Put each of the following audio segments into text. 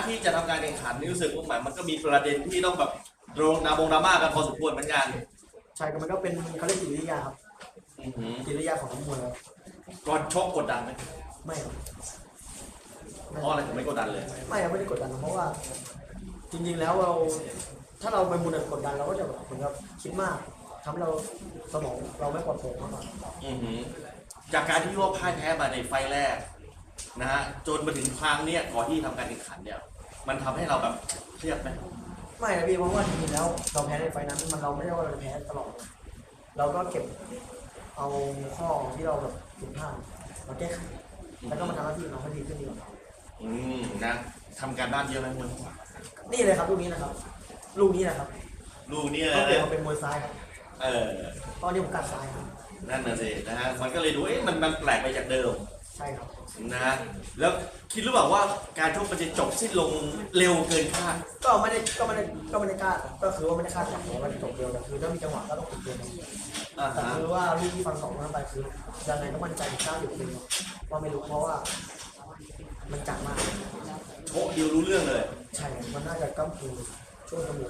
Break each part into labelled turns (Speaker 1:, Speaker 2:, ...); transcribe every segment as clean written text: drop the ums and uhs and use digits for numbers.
Speaker 1: ที่จะทำการแข่งขันนี่รู้สึกว่ามันก็มีประเด็นที่ต้องแบบดราม่ากันพอสมควรเหมือนกัน
Speaker 2: ใช่ก็มันก็เป็นเขาเรียกจิตวิทยาครับจิตวิทยาของนักมวย
Speaker 1: ก่อนชกกดดันไหม
Speaker 2: ไม่ครับ
Speaker 1: เพราะอะไรถึงไม่กดดันเลย
Speaker 2: ไม่ครับไม่ได้กดดันเพราะว่าจริงๆแล้วถ้าเราไปมุนกดดันเราก็จะแบบเหมือนกับคิดมากทำให้เราสมองเราไม่ปลอดโปร่งมากกว่า
Speaker 1: จากการที่ว่าพ่ายแพ้มาในไฟแรกนะฮะจนมาถึงครั้งเนี้ยก่อนที่ทำการแข่งขันเนี่ยมันทำให้เราแบบเครียดไหม
Speaker 2: ไม่นะพี่เพราะว่าจริงๆแล้วเราแพ้ในไฟนั้นเราไม่ได้ว่าเราแพ้ตลอดเราก็เก็บเอาข้อที่เราแบบผิดพลาดมาแก้ไขแล้วก็มาทำหน้าที่ของเราให้ดีขึ้นดีกว่า
Speaker 1: นะทำการบ้านเยอะไหมคุณ
Speaker 2: นี่เลยครับลูกนี้นะครับลูกนี้นะครับ
Speaker 1: ลูกนี้เลย
Speaker 2: เขาเปลี่ยนมาเป็นมวยซ้ายครับตอนนี้ผมกัดซ้ายครับ
Speaker 1: นั่นน่ะสินะฮะมันก็เลยดูมันแปลกไปจากเดิม
Speaker 2: ใช่ครับ
Speaker 1: นะฮะแล้วคิดหรือเปล่าว่าการชกมันจะจบสิ้นลงเร็วเกินคาด
Speaker 2: ก็ไม่ได้คาดก็คือว่าไม่ได้คาดหวังว่าจะจบเร็วแต่คือถ้ามีจังหวะก็ต้องติดเกมแต่คือว่าลูกที่ฟันสองนั้นไปคือยังไงก็มั่นใจ90%ว่าไม่รู้เพราะว่ามันจัดมาก
Speaker 1: โชคเดียวรู้เรื่องเลย
Speaker 2: ใช่มันน่าจะก้ามคือช่วงจมูก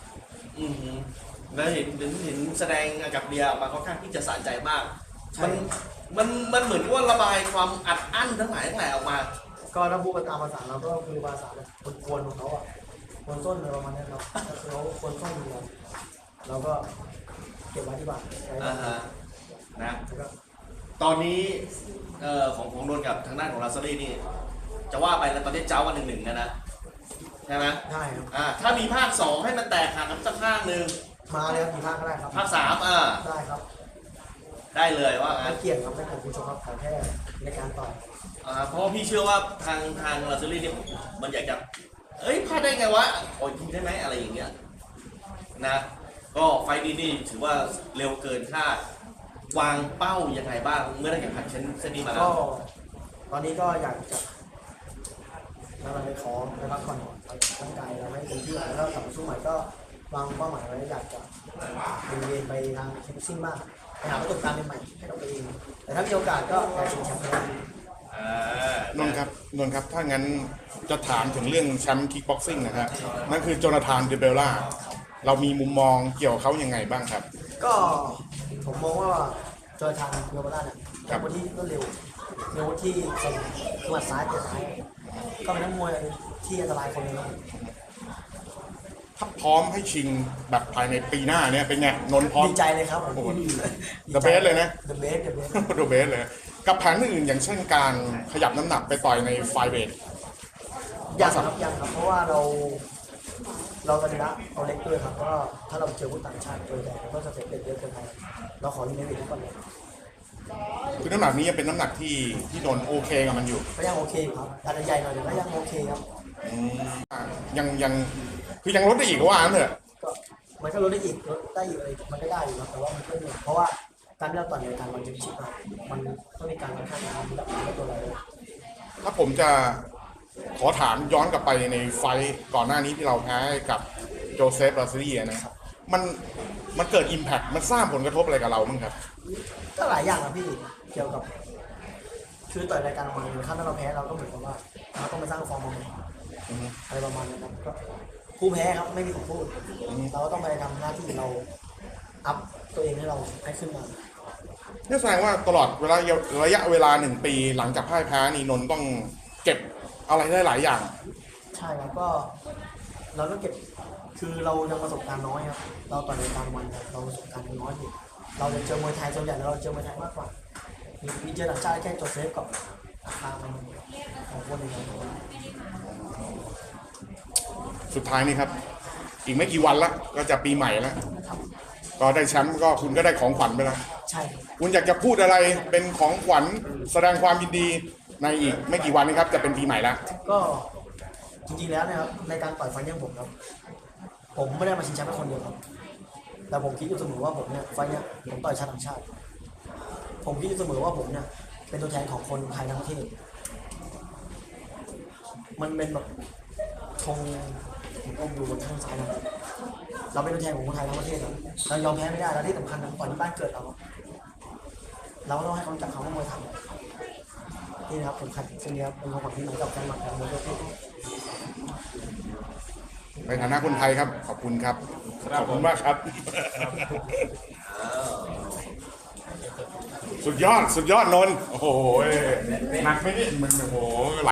Speaker 1: แล้วเห็นแสดงกับเดียมาค่อนข้างที่จะสะใจมากมันเหมือนว่าระบายความอัดอั้นทั้งหลายออกมา
Speaker 2: ก็ถ้าพูดตามภาษาเราก็คือภาษาแบบกวนของเขาอ่ะกวนส้นอะไรประมาณนี้ครับก็คือเขากวนส้นอยู่เราก็เก็บไว้ที่บ้าน
Speaker 1: นะตอนนี้ของนนท์กับทางด้านของลาซารีนี่จะว่าไปแล้วตอนนี้เจ้าวัน1-1นะใช่ไหม
Speaker 2: ได้ครับ
Speaker 1: ถ้ามีภาค2ให้มันแตกหักกันสักภาคหนึ่ง
Speaker 2: มาเลยครับมีภาคก็ได้ครับ
Speaker 1: ภาค3
Speaker 2: ได้ครับ
Speaker 1: ได้เลยว่า
Speaker 2: ไม่เกี่ยงครับไม่ผมคุณชมครับขอแค่ในการต่อย
Speaker 1: เพราะพี่เชื่อว่าทางลาซารีเนี่ยมันอยากจะพลาดได้ไงวะโอ้ยยิงได้ไหมอะไรอย่างเงี้ยนะก็ไฟนี้นี่ถือว่าเร็วเกินคาดวางเป้ายังไงบ้างเมื่อได้แข่งขันเช่นนี้มาแล้ว
Speaker 2: ตอนนี้ก็อยากจะเราไปขอไปพักผ่อนร่างกายเราให้เต็มที่แล้วก็กลับมาสู้ใหม่ก็วางเป้าหมายไว้อยากจะเรียนไปทางคิกบ็อกซิ่งมากไปหาประสบการณ์ใหม่ให้เราไปเองแต่ถ้ามีโอกาสก็อยากชิงแชมป์
Speaker 3: นนท์ครับถ้างั้นจะถามถึงเรื่องแชมป์คิกบ็อกซิ่งนะครับนั่นคือโจนาธานเดเบลล่าเรามีมุมมองเกี่ยวกับเขายังไงบ้างครับ
Speaker 2: ก็ผมมองว่าโจนาธานเดเบลล่าเนี่ยเป็นคนที่รวดเร็วที่คมหมัดซ้ายเตะซ้ายก็เป็นนักมวยที่อันตรายคนนึง
Speaker 3: ถ้าพร้อมให้ชิงแบบภายในปีหน้าเนี่ยเป็นไงนนท์พร้อม
Speaker 2: ดีใจเลยครับ
Speaker 3: โอ้โหThe Best เลยนะ
Speaker 2: The Best
Speaker 3: The Best เลยกับแผนอื่นอย่างเช่นการขยับน้ำหนักไปต่อยในไฟเวท
Speaker 2: ยังครับเพราะว่าเรากระดับเอาเล็กด้วยครับก็ถ้าเราเจอผู้ต่างชาติตัวใหญ่ก็จะเสร็จเยอะเกินไปเราขอที่ไม่เป็นทุกคนเลย
Speaker 3: คือน้ำหนักนี้ยังเป็นน้ำหนักที่นนท์โอเคกับมันอยู่
Speaker 2: ก็ยังโอเคครับอาจจะใหญ่หน่อยแต่ก็ยังโอเคครับ
Speaker 3: ยังคือยังลดได้อีกว่าเถอะ
Speaker 2: ก็มันก็ลดได้อีกอะไรมันก็ได้อยู่ครับแต่ว่ามันก็เหนื่อยเพราะว่าการที่เราต่อยในการวันชิปมามันต้องมีการค่อนข้างระดับตัวเรา
Speaker 3: ถ้าผมจะขอถามย้อนกลับไปในไฟก่อนหน้านี้ที่เราแพ้กับโจเซฟลาซิลีนะครับมันเกิดอิมแพคมันสร้างผลกระทบอะไรกับเราบ้างครับ
Speaker 2: ก็หลายอย่างนะพี่เกี่ยวกับคือต่อยรายการมาถ้าเราแพ้เราก็เหมือนกับว่าเราต้องไปสร้างฟอร์มใหม่อะไรประมาณนั้นครับก็ผู้แพ้ครับไม่มีของพูดเราก็ต้องไปทำหน้าที่เราอัพตัวเองให้เราให้ขึ้นมา
Speaker 3: นี่แสดงว่าตลอดระยะเวลา1 ปีหลังจากพ่ายแพ้นี่นนท์ต้องเก็บอะไรได้หลายอย่าง
Speaker 2: ใช่ครับก็เราต้องเก็บคือเรายังประสบการณ์น้อยครับเราต่อยรายการวันเราประสบการณ์น้อยอยู่เราจะเจอมวยไทยส่วนใหญ่เราเจอมวยไทยมากกว่ามีเจอต่างชาติแค่โจเซฟกับทางของคนอื่น
Speaker 3: สุดท้ายนี่ครับอีกไม่กี่วันละก็จะปีใหม่แล้วก็ได้แชมป์ก็คุณก็ได้ของขวัญไปแล้ว
Speaker 2: ใช่
Speaker 3: คุณอยากจะพูดอะไรเป็นของขวัญแสดงความยินดีในอีกไม่กี่วันนี้ครับจะเป็นปีใหม่แล้ว
Speaker 2: ก็จริงๆแล้วนะครับในการต่อยไฟยังผมครับผมไม่ได้มาชิงแชมป์แค่คนเดียวครับแต่ผมคิดอยู่เสมอว่าผมเนี่ยไฟเนี่ยผมต่อยชาติต่างชาติผมคิดอยู่เสมอว่าผมเนี่ยเป็นตัวแทนของคนไทยทั้งประเทศมันเป็นแบบธงผมอยู่บนข้างซ้ายนะเราเป็นตัวแทนของคนไทยทั้งประเทศเรายอมแพ้ไม่ได้แล้วที่สำคัญต่อยที่บ้านเกิดเราก็ต้องให้เขาจับเขาว่ามวยไทยนี่นะครับผมขัดเส้นนี้ครับเป็นของขวัญที่ไหนกับการหมักของมวยทั่ว
Speaker 3: ในฐานะคนไทยครับขอบคุณครับขอบคุณมากครับ สุดยอดนนท์โอ้โหหนักไหมเนี่ยมันโอ้โห